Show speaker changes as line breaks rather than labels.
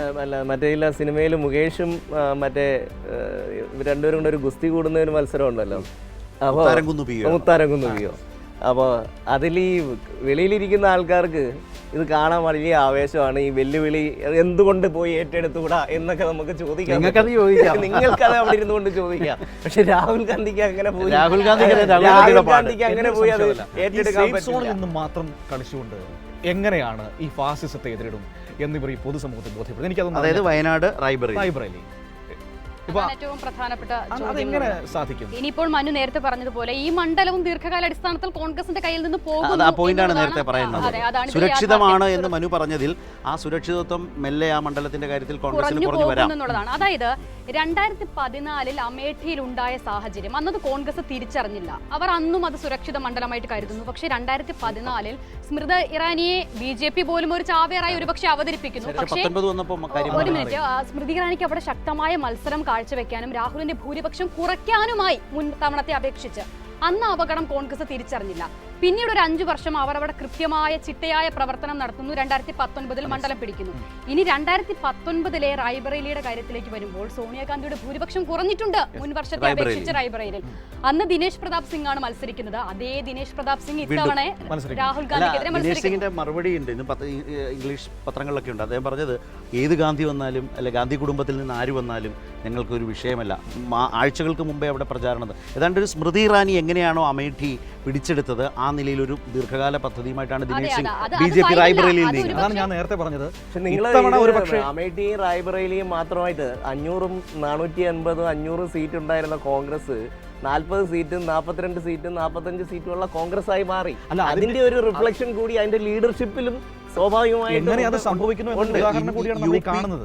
അല്ല മറ്റേ ഇല്ല സിനിമയിൽ മുകേഷും മറ്റേ രണ്ടുപേരും കൂടെ ഒരു ഗുസ്തി കൂടുന്ന ഒരു മത്സരം ഉണ്ടല്ലോ, അപ്പോൾ മുത്താരംകുന്ന് പിയോ. അപ്പോൾ അതിൽ ഈ വെളിയിലിരിക്കുന്ന ആൾക്കാർക്ക് ഇത് കാണാൻ വലിയ ആവേശമാണ്. ഈ വെല്ലുവിളി എന്തുകൊണ്ട് പോയി ഏറ്റെടുത്തുകൂടാ എന്നൊക്കെ നമുക്ക് ചോദിക്കാം, നിങ്ങൾക്കത് അവിടെ ഇരുന്നുകൊണ്ട് ചോദിക്കാം. പക്ഷെ രാഹുൽ ഗാന്ധിക്ക് അങ്ങനെ പോയി അങ്ങനെ പോയി അത് ഏറ്റെടുക്കാൻ
പറ്റില്ല. മാത്രം കളിച്ചുകൊണ്ട് എങ്ങനെയാണ് ഈ ഫാസിസത്തെ എതിരിടും എന്നിവർ ഈ പൊതുസമൂഹത്തിൽ ബോധ്യപ്പെടുന്നത്? എനിക്കതൊന്നും,
അതായത് വയനാട് റൈബറേലി
ഏറ്റവും പ്രധാനപ്പെട്ട
അതെങ്ങനെ സാധിക്കും?
ഇനിയിപ്പോൾ മനു നേരത്തെ പറഞ്ഞതുപോലെ ഈ മണ്ഡലവും ദീർഘകാല അടിസ്ഥാനത്തിൽ കോൺഗ്രസിന്റെ കയ്യിൽ നിന്ന് പോകും.
ആ പോയിന്റാണ് നേരത്തെ പറയുന്നത്. സുരക്ഷിതമാണ് എന്ന് മനു പറഞ്ഞതിൽ ആ സുരക്ഷിതത്വം മെല്ലെ ആ മണ്ഡലത്തിന്റെ കാര്യത്തിൽ കോൺഗ്രസിന് കുറഞ്ഞു വരാം
എന്നുള്ളതാണ്. അതായത് 2014 അമേഠിയിൽ ഉണ്ടായ സാഹചര്യം അന്നത് കോൺഗ്രസ് തിരിച്ചറിഞ്ഞില്ല. അവർ അന്നും അത് സുരക്ഷിത മണ്ഡലമായിട്ട് കരുതുന്നു. പക്ഷേ 2014 സ്മൃത ഇറാനിയെ BJP പോലും ഒരു ചാവേറായി ഒരുപക്ഷെ അവതരിപ്പിക്കുന്നു. പക്ഷേ ഒരു മിനിറ്റ്, സ്മൃതി ഇറാനിക്ക് അവിടെ ശക്തമായ മത്സരം കാഴ്ചവെക്കാനും രാഹുലിന്റെ ഭൂരിപക്ഷം കുറയ്ക്കാനുമായി മുൻ തവണത്തെ അപേക്ഷിച്ച് അന്ന് അപകടം കോൺഗ്രസ് തിരിച്ചറിഞ്ഞില്ല. പിന്നീട് ഒരു 5 വർഷം അവർ അവിടെ കൃത്യമായ ചിട്ടയായ പ്രവർത്തനം നടത്തുന്നു. 2019 മണ്ഡലം പിടിക്കുന്നു. ഇനി 2019 റായ്ബറേലിയുടെ കാര്യത്തിലേക്ക് വരുമ്പോൾ സോണിയാഗാന്ധിയുടെ ഭൂരിപക്ഷം കുറഞ്ഞിട്ടുണ്ട് മുൻ വർഷത്തെ അപേക്ഷിച്ച് റായ്ബറേലിൽ. അന്ന് ദിനേശ് പ്രതാപ് സിംഗ് ആണ് മത്സരിക്കുന്നത്. അതേ ദിനേശ് പ്രതാപ് സിംഗ് ഇത്തവണ രാഹുൽ ഗാന്ധിക്കെതിരെ
മത്സരിക്കുന്നു. മറുപടി ഉണ്ട്, ഇന്ന് ഇംഗ്ലീഷ് പത്രങ്ങളിലൊക്കെ ഉണ്ട്. അദ്ദേഹം പറഞ്ഞത് ഏത് ഗാന്ധി വന്നാലും അല്ലെ ഗാന്ധി കുടുംബത്തിൽ നിന്ന് ആര് വന്നാലും ഞങ്ങൾക്കൊരു വിഷയമല്ല. ആഴ്ചകൾക്ക് മുമ്പേ അവിടെ പ്രചാരണം ഏതാണ്ട് ഒരു സ്മൃതി ഇറാനി എങ്ങനെയാണോ അമേഠി പിടിച്ചെടുത്തത് ആ നിലയിൽ ഒരു ദീർഘകാല പദ്ധതിയുമായിട്ടാണ് ദിനേശ് സിംഗ് BJP റായ്ബറേലിയിൽ നീങ്ങുന്നത്.
അതാണ് ഞാൻ നേരത്തെ പറഞ്ഞത്.
അമേഠിയും റായ്ബറേലിയും മാത്രമായിട്ട് 500 480 500 സീറ്റ് ഉണ്ടായിരുന്ന കോൺഗ്രസ് 40 സീറ്റും 42 സീറ്റും 45 സീറ്റുമുള്ള കോൺഗ്രസ് ആയി മാറി. അതിന്റെ ഒരു റിഫ്ലക്ഷൻ കൂടി അതിന്റെ ലീഡർഷിപ്പിലും സ്വാഭാവികമായിട്ടും
സംഭവിക്കുന്നു.